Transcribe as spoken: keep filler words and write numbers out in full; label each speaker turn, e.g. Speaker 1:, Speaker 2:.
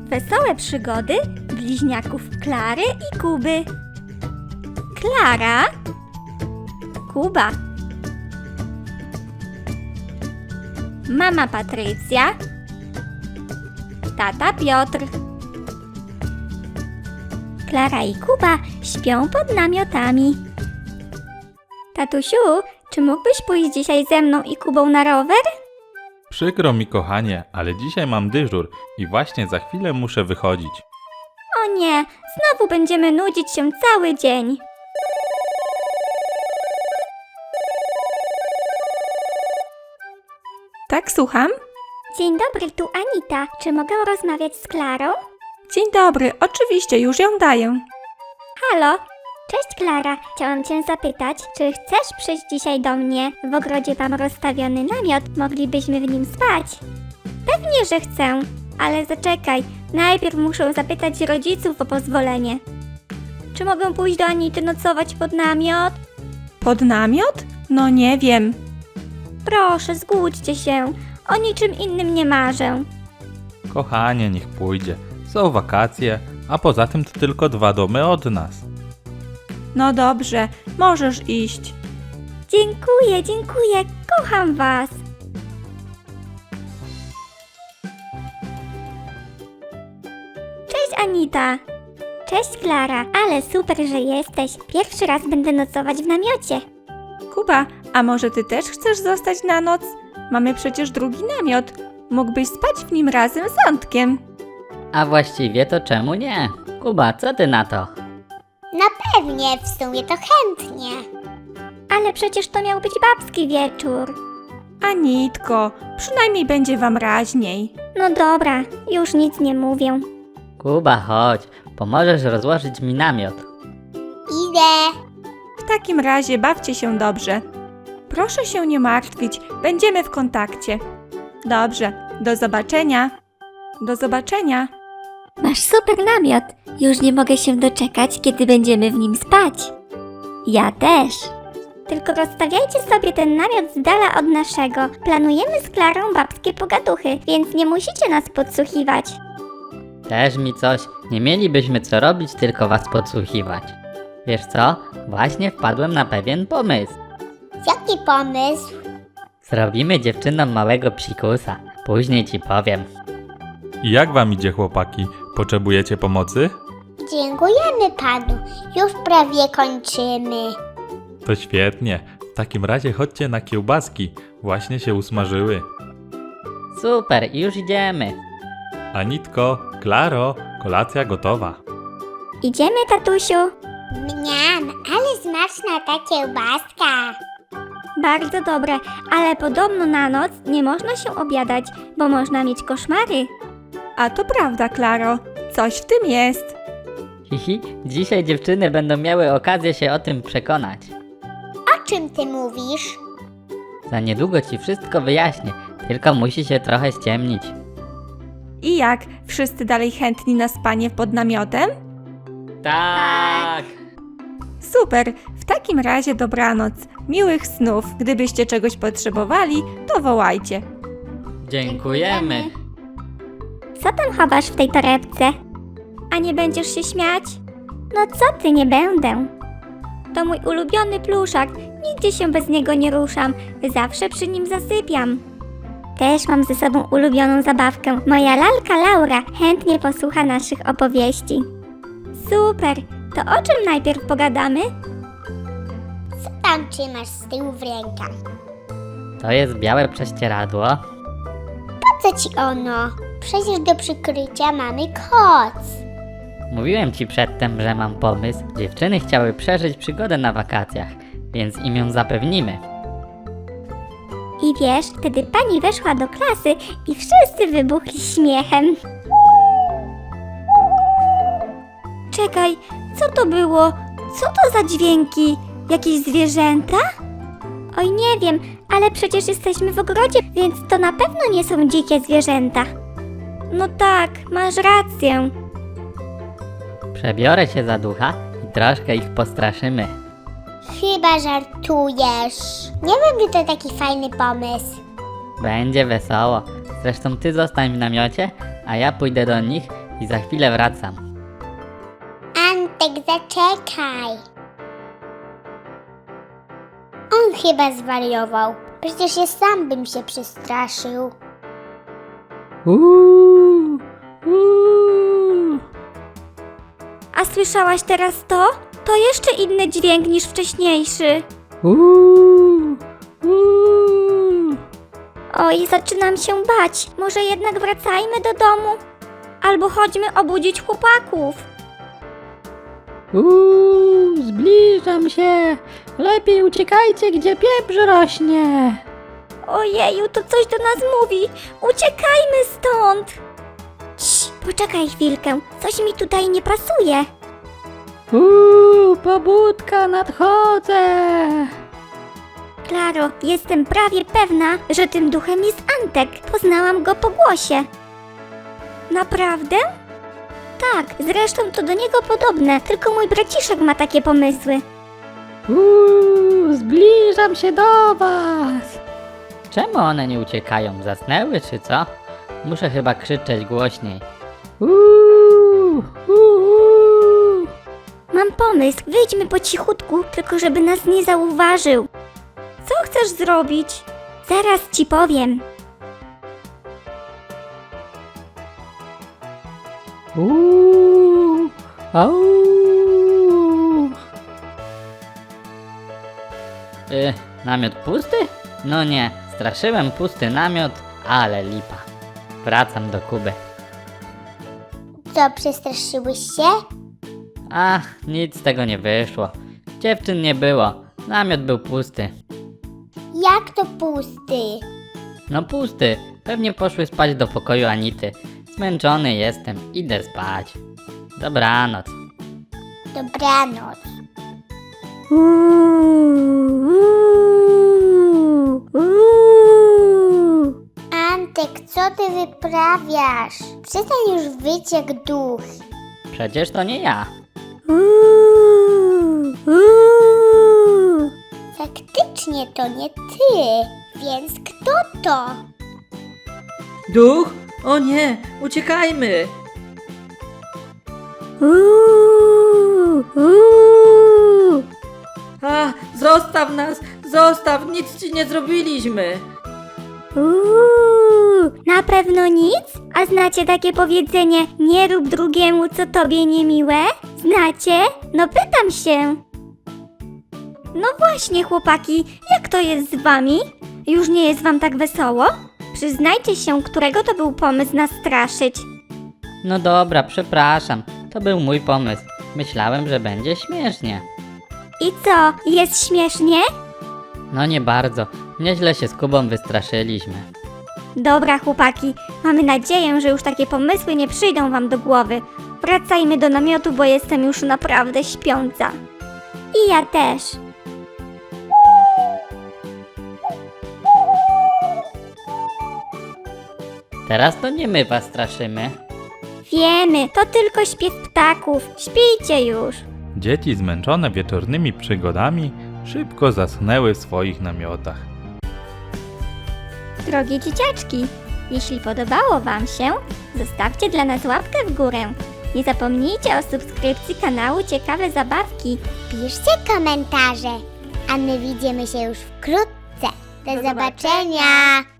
Speaker 1: Wesołe przygody bliźniaków Klary i Kuby. Klara, Kuba, mama Patrycja, tata Piotr. Klara i Kuba śpią pod namiotami. Tatusiu, czy mógłbyś pójść dzisiaj ze mną i Kubą na rower?
Speaker 2: Przykro mi, kochanie, ale dzisiaj mam dyżur i właśnie za chwilę muszę wychodzić.
Speaker 1: O nie, znowu będziemy nudzić się cały dzień.
Speaker 3: Tak, słucham?
Speaker 1: Dzień dobry, tu Anita. Czy mogę rozmawiać z Klarą?
Speaker 3: Dzień dobry, oczywiście, już ją daję.
Speaker 1: Halo? Cześć Klara, chciałam Cię zapytać, czy chcesz przyjść dzisiaj do mnie? W ogrodzie mam rozstawiony namiot, moglibyśmy w nim spać. Pewnie, że chcę, ale zaczekaj, najpierw muszę zapytać rodziców o pozwolenie. Czy mogę pójść do Anity nocować pod namiot?
Speaker 3: Pod namiot? No nie wiem.
Speaker 1: Proszę, zgódźcie się, o niczym innym nie marzę.
Speaker 2: Kochanie, niech pójdzie. Są wakacje, a poza tym to tylko dwa domy od nas.
Speaker 3: No dobrze, możesz iść.
Speaker 1: Dziękuję, dziękuję, kocham Was. Cześć Anita. Cześć Klara, ale super, że jesteś. Pierwszy raz będę nocować w namiocie.
Speaker 3: Kuba, a może ty też chcesz zostać na noc? Mamy przecież drugi namiot. Mógłbyś spać w nim razem z Antkiem.
Speaker 4: A właściwie to czemu nie? Kuba, co ty na to?
Speaker 5: No pewnie, w sumie to chętnie.
Speaker 1: Ale przecież to miał być babski wieczór.
Speaker 3: Anitko, przynajmniej będzie wam raźniej.
Speaker 1: No dobra, już nic nie mówię.
Speaker 4: Kuba, chodź, pomożesz rozłożyć mi namiot.
Speaker 5: Idę.
Speaker 3: W takim razie bawcie się dobrze. Proszę się nie martwić, będziemy w kontakcie. Dobrze, do zobaczenia. Do zobaczenia.
Speaker 1: Masz super namiot. Już nie mogę się doczekać, kiedy będziemy w nim spać. Ja też. Tylko rozstawiajcie sobie ten namiot z dala od naszego. Planujemy z Klarą babskie pogaduchy, więc nie musicie nas podsłuchiwać.
Speaker 4: Też mi coś, nie mielibyśmy co robić, tylko was podsłuchiwać. Wiesz co? Właśnie wpadłem na pewien pomysł.
Speaker 5: Jaki pomysł?
Speaker 4: Zrobimy dziewczynom małego psikusa. Później ci powiem.
Speaker 2: I jak wam idzie, chłopaki? Potrzebujecie pomocy?
Speaker 5: Dziękujemy panu. Już prawie kończymy.
Speaker 2: To świetnie. W takim razie chodźcie na kiełbaski. Właśnie się usmażyły.
Speaker 4: Super, już idziemy.
Speaker 2: Anitko, Klaro, kolacja gotowa.
Speaker 1: Idziemy, tatusiu?
Speaker 5: Mniam, ale smaczna ta kiełbaska.
Speaker 1: Bardzo dobre, ale podobno na noc nie można się obiadać, bo można mieć koszmary.
Speaker 3: A to prawda, Klaro. Coś w tym jest.
Speaker 4: Hihi, dzisiaj dziewczyny będą miały okazję się o tym przekonać.
Speaker 5: O czym ty mówisz?
Speaker 4: Za niedługo ci wszystko wyjaśnię, tylko musi się trochę ściemnić.
Speaker 3: I jak? Wszyscy dalej chętni na spanie pod namiotem?
Speaker 4: Tak!
Speaker 3: Super, w takim razie dobranoc. Miłych snów. Gdybyście czegoś potrzebowali, to wołajcie.
Speaker 4: Dziękujemy.
Speaker 1: Co tam chowasz w tej torebce? A nie będziesz się śmiać? No co ty, nie będę. To mój ulubiony pluszak, nigdzie się bez niego nie ruszam, zawsze przy nim zasypiam. Też mam ze sobą ulubioną zabawkę, moja lalka Laura chętnie posłucha naszych opowieści. Super, to o czym najpierw pogadamy?
Speaker 5: Co tam trzymasz z tyłu w rękach?
Speaker 4: To jest białe prześcieradło.
Speaker 5: Po co ci ono? Przecież do przykrycia mamy koc.
Speaker 4: Mówiłem ci przedtem, że mam pomysł. Dziewczyny chciały przeżyć przygodę na wakacjach, więc im ją zapewnimy.
Speaker 1: I wiesz, wtedy pani weszła do klasy i wszyscy wybuchli śmiechem. Czekaj, co to było? Co to za dźwięki? Jakieś zwierzęta? Oj, nie wiem, ale przecież jesteśmy w ogrodzie, więc to na pewno nie są dzikie zwierzęta. No tak, masz rację.
Speaker 4: Przebiorę się za ducha i troszkę ich postraszymy.
Speaker 5: Chyba żartujesz. Nie wiem, czy to taki fajny pomysł.
Speaker 4: Będzie wesoło. Zresztą ty zostań w namiocie, a ja pójdę do nich i za chwilę wracam.
Speaker 5: Antek, zaczekaj. On chyba zwariował. Przecież ja sam bym się przestraszył.
Speaker 4: Uuu, uuu.
Speaker 1: A słyszałaś teraz to? To jeszcze inny dźwięk niż wcześniejszy.
Speaker 4: Uuu, uuu.
Speaker 1: Oj, zaczynam się bać. Może jednak wracajmy do domu? Albo chodźmy obudzić chłopaków.
Speaker 4: Uuu, zbliżam się. Lepiej uciekajcie, gdzie pieprz rośnie.
Speaker 1: Ojeju, to coś do nas mówi. Uciekajmy stąd. Cii, poczekaj chwilkę. Coś mi tutaj nie pasuje.
Speaker 4: Uuu, pobudka, nadchodzę.
Speaker 1: Klaro, jestem prawie pewna, że tym duchem jest Antek. Poznałam go po głosie. Naprawdę? Tak, zresztą to do niego podobne, tylko mój braciszek ma takie pomysły.
Speaker 4: Uuu, zbliżam się do was. Czemu one nie uciekają? Zasnęły czy co? Muszę chyba krzyczeć głośniej. Uuu, uuu.
Speaker 1: Mam pomysł, wyjdźmy po cichutku, tylko żeby nas nie zauważył. Co chcesz zrobić? Zaraz ci powiem.
Speaker 4: Uuu, au. Y, namiot pusty? No nie, straszyłem pusty namiot, ale lipa. Wracam do Kuby.
Speaker 5: Co, przestraszyłeś się?
Speaker 4: Ach, nic z tego nie wyszło. Dziewczyn nie było, namiot był pusty.
Speaker 5: Jak to pusty?
Speaker 4: No pusty, pewnie poszły spać do pokoju Anity. Zmęczony jestem, idę spać. Dobranoc.
Speaker 5: Dobranoc.
Speaker 1: Uuu, uuu, uuu.
Speaker 5: Antek, co ty wyprawiasz? Przestań już wyć jak duch.
Speaker 4: Przecież to nie ja.
Speaker 1: Uuu, uuu.
Speaker 5: Faktycznie to nie ty. Więc kto to?
Speaker 6: Duch? O nie, uciekajmy!
Speaker 1: Uuu, uuu.
Speaker 6: A, zostaw nas! Zostaw! Nic ci nie zrobiliśmy!
Speaker 1: Uuu, na pewno nic? A znacie takie powiedzenie, nie rób drugiemu, co tobie niemiłe? Znacie? No pytam się. No właśnie, chłopaki, jak to jest z wami? Już nie jest wam tak wesoło? Przyznajcie się, którego to był pomysł nas straszyć.
Speaker 4: No dobra, przepraszam. To był mój pomysł. Myślałem, że będzie śmiesznie.
Speaker 1: I co, jest śmiesznie?
Speaker 4: No nie bardzo. Nieźle się z Kubą wystraszyliśmy.
Speaker 1: Dobra, chłopaki, mamy nadzieję, że już takie pomysły nie przyjdą wam do głowy. Wracajmy do namiotu, bo jestem już naprawdę śpiąca. I ja też.
Speaker 4: Teraz to nie my was straszymy.
Speaker 1: Wiemy, to tylko śpiew ptaków. Śpijcie już.
Speaker 2: Dzieci zmęczone wieczornymi przygodami szybko zaschnęły w swoich namiotach.
Speaker 1: Drogie dzieciaczki, jeśli podobało wam się, zostawcie dla nas łapkę w górę. Nie zapomnijcie o subskrypcji kanału Ciekawe Zabawki.
Speaker 5: Piszcie komentarze, a my widzimy się już wkrótce. Do,
Speaker 3: Do
Speaker 5: zobaczenia.